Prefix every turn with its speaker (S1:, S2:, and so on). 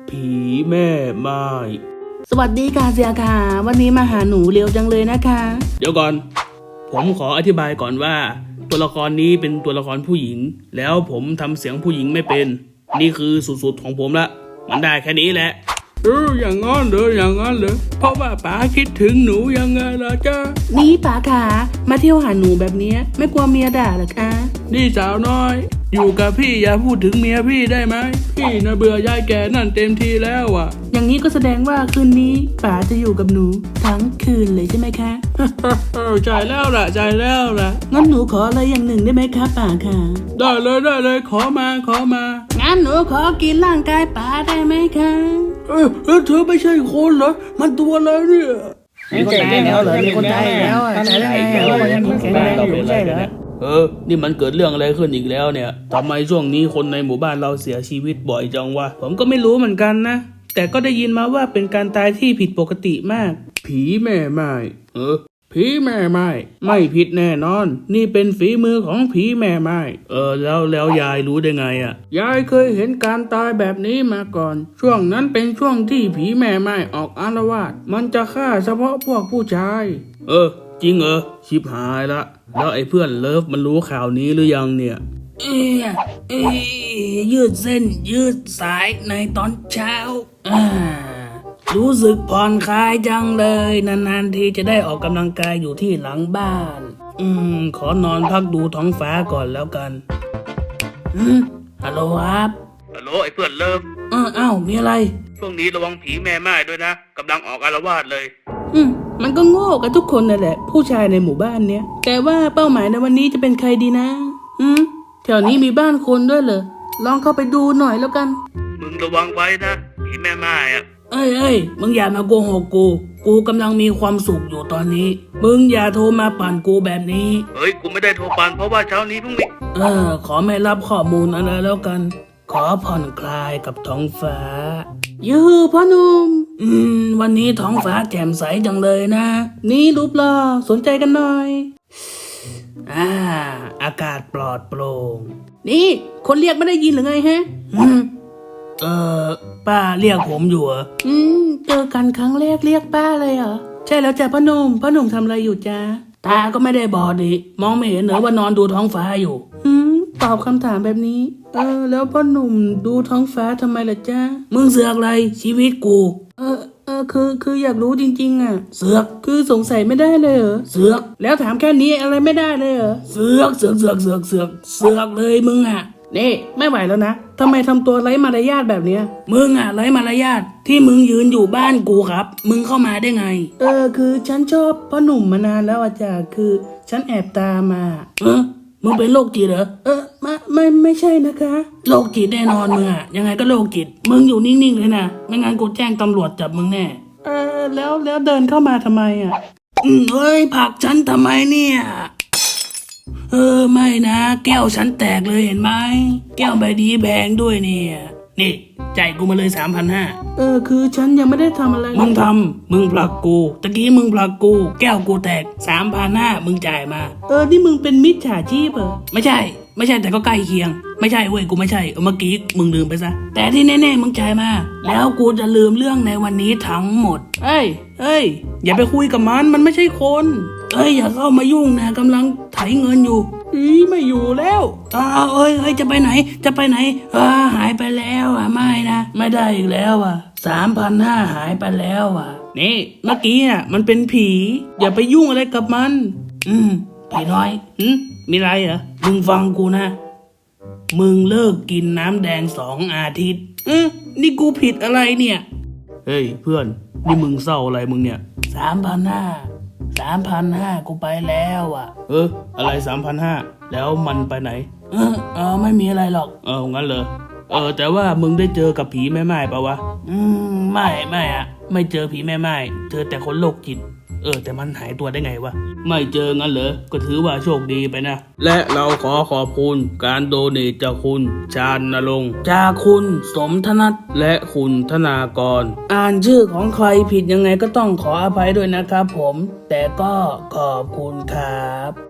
S1: ผีแม่ไม้
S2: สวัสดีค่ะเสียค่ะวันนี้มาหาหนูเร็วจังเลยนะคะ
S1: เดี๋ยวก่อนผมขออธิบายก่อนว่าตัวละครนี้เป็นตัวละครผู้หญิงแล้วผมทำเสียงผู้หญิงไม่เป็นนี่คือสุดๆของผมละมันได้แค่นี้แหละอย่างงั้นเลยเพราะว่าป๋าคิดถึงหนูยังไงล่ะจ๊ะ
S2: นี่ป๋าค่ะมาเที่ยวหาหนูแบบนี้ไม่กลัวเมียด่าหรอคะ
S1: นี่สาวน้อยอยู่กับพี่อย่าพูดถึงเมียพี่ได้ไหมพี่น่ะเบื่อยายแก่นั่นเต็มทีแล้วอ่ะ
S2: อย่างนี้ก็แสดงว่าคืนนี้ป๋าจะอยู่กับหนูทั้งคืนเลยใช่ไหมคะ
S1: ใจแล้วล่ะ
S2: งั้นหนูขออะไรอย่างหนึ่งได้ไหมคะป๋าค่ะ
S1: ได้เลยขอมา
S2: งั้นหนูขอกินร่างกายป๋าได้ไหมคะ
S1: เธอไม่ใช่คนเหรอมันตัวอะไรเนี่ย
S3: มีคนตายแล้วเหรอมีคนตายแล้วตายได้ไงเรายังแข็งแรงอยู่ไม่ใช่เหรอ
S1: นี่มันเกิดเรื่องอะไรขึ้นอีกแล้วเนี่ยทำไมช่วงนี้คนในหมู่บ้านเราเสียชีวิตบ่อยจังวะผมก็ไม่รู้เหมือนกันนะแต่ก็ได้ยินมาว่าเป็นการตายที่ผิดปกติมากผีแม่ไม้ผีแม่ไม้ไม่ผิดแน่นอนนี่เป็นฝีมือของผีแม่ไม้แล้วยายรู้ได้ไงอ่ะยายเคยเห็นการตายแบบนี้มาก่อนช่วงนั้นเป็นช่วงที่ผีแม่ไม้ออกอาละวาดมันจะฆ่าเฉพาะพวกผู้ชายจริงชิบหายละแล้วไอ้เพื่อนเลิฟมันรู้ข่าวนี้หรือยังเนี่ย
S2: ยืดเส้นยืดสายในตอนเช้ารู้สึกผ่อนคลายจังเลยนานๆทีจะได้ออกกำลังกายอยู่ที่หลังบ้านขอนอนพักดูท้องฟ้าก่อนแล้วกันฮัลโหลครับ
S1: ฮัลโหลไอ้เพื่อนเลิฟ
S2: อ้าวมีอะไร
S1: ช่วงนี้ระวังผีแม่ไม้ด้วยนะกำลังออกอาละวาดเลย
S2: มันก็โง่กันทุกคนนั่นแหละผู้ชายในหมู่บ้านเนี้ยแต่ว่าเป้าหมายในวันนี้จะเป็นใครดีนะแถวนี้มีบ้านคนด้วยเหรอลองเข้าไปดูหน่อยแล้วกัน
S1: มึงระวังไว้นะผีแม่ไม้อะ
S2: เอ้ยมึงอย่ามาโกหกกูกำลังมีความสุขอยู่ตอนนี้มึงอย่าโทรมาปั่นกูแบบนี้
S1: กูไม่ได้โทรปั่นเพราะว่าเช้านี้เพิ่งมี
S2: ขอไม่รับข้อมูลอะไรแล้วกันขอผ่อนคลายกับท้องฟ้ายูพ่อหนุ่มวันนี้ท้องฟ้าแจ่มใสจังเลยนะนี่รูปหล่อสนใจกันหน่อยอากาศปลอดโปร่งนี่คนเรียกไม่ได้ยินหรือไงฮะป้าเรียกผมอยู่เหรอเจอกันครั้งแรกเรียกป้าเลยเหรอใช่แล้วจ้ะพ่อหนุ่มทำอะไรอยู่จ้าตาก็ไม่ได้บอดดิมองไม่เห็นเหรอว่านอนดูท้องฟ้าอยู่ตอบคำถามแบบนี้แล้วพ่อหนุ่มดูท้องฟ้าทำไมล่ะจ้ามึงเสือกอะไรชีวิตกูคืออยากรู้จริงๆอ่ะเสือกคือสงสัยไม่ได้เลยเหรอเสือกแล้วถามแค่นี้อะไรไม่ได้เลยเหรอเสือกเลยมึงอ่ะนี่ไม่ไหวแล้วนะทำไมทำตัวไร้มารยาทแบบเนี้ยมึงอ่ะไร้มารยาทที่มึงยืนอยู่บ้านกูครับมึงเข้ามาได้ไงคือฉันชอบพ่อหนุ่มมานานแล้วอาจารย์คือฉันแอบตามมามึงเป็นโรคจิตเหรอไม่ใช่นะคะโรคจิตแน่นอนมึงอ่ะยังไงก็โรคจิตมึงอยู่นิ่งๆเลยนะไม่งั้นกูแจ้งตำรวจจับมึงแน่แล้วเดินเข้ามาทำไมอ่ะเฮ้ยผลักฉันทำไมเนี่ยไม่นะแก้วฉันแตกเลยเห็นไหมแก้วใบนี้แพงด้วยเนี่ยนี่จ่ายกูมาเลย3,500คือฉันยังไม่ได้ทำอะไรมึงผลักกูตะกี้มึงผลักกูแก้วกูแตก3,500มึงจ่ายมานี่มึงเป็นมิจฉาชีพเหรอไม่ใช่แต่ก็ใกล้เคียงไม่ใช่เว้ยกูไม่ใช่เมื่อกี้มึงลืมไปซะแต่ที่แน่ๆมึงจ่ายมาแล้วกูจะลืมเรื่องในวันนี้ทั้งหมดเอ้ยอย่าไปคุยกับมันไม่ใช่คนอย่าเข้ามายุ่งนะกำลังไถเงินอยู่ไม่อยู่แล้วจะไปไหนหายไปแล้วไม่นะไม่ได้อีกแล้ว3,500หายไปแล้วนี่เมื่อกี้น่ะมันเป็นผีอย่าไปยุ่งอะไรกับมันผีน้อยมีไรเหรอมึงฟังกูนะมึงเลิกกินน้ำแดง2 อาทิตย์นี่กูผิดอะไรเนี่ยเฮ้ยเพื่อนนี่มึงเศร้าอะไรมึงเนี่ย3,500กูไปแล้วอะไร3,500แล้วมันไปไหนไม่มีอะไรหรอกงั้นเลยแต่ว่ามึงได้เจอกับผีแม่ไม้ปะวะไม่ไม่เจอผีแม่ไม้เจอแต่คนโรคจิตแต่มันหายตัวได้ไงวะไม่เจองั้นเหรอก็ถือว่าโชคดีไปนะและเราขอขอบคุณการโดเนทจากคุณชาญณรงค์จากคุณสมธนัทและคุณธนากรอ่านชื่อของใครผิดยังไงก็ต้องขออภัยด้วยนะครับผมแต่ก็ขอบคุณครับ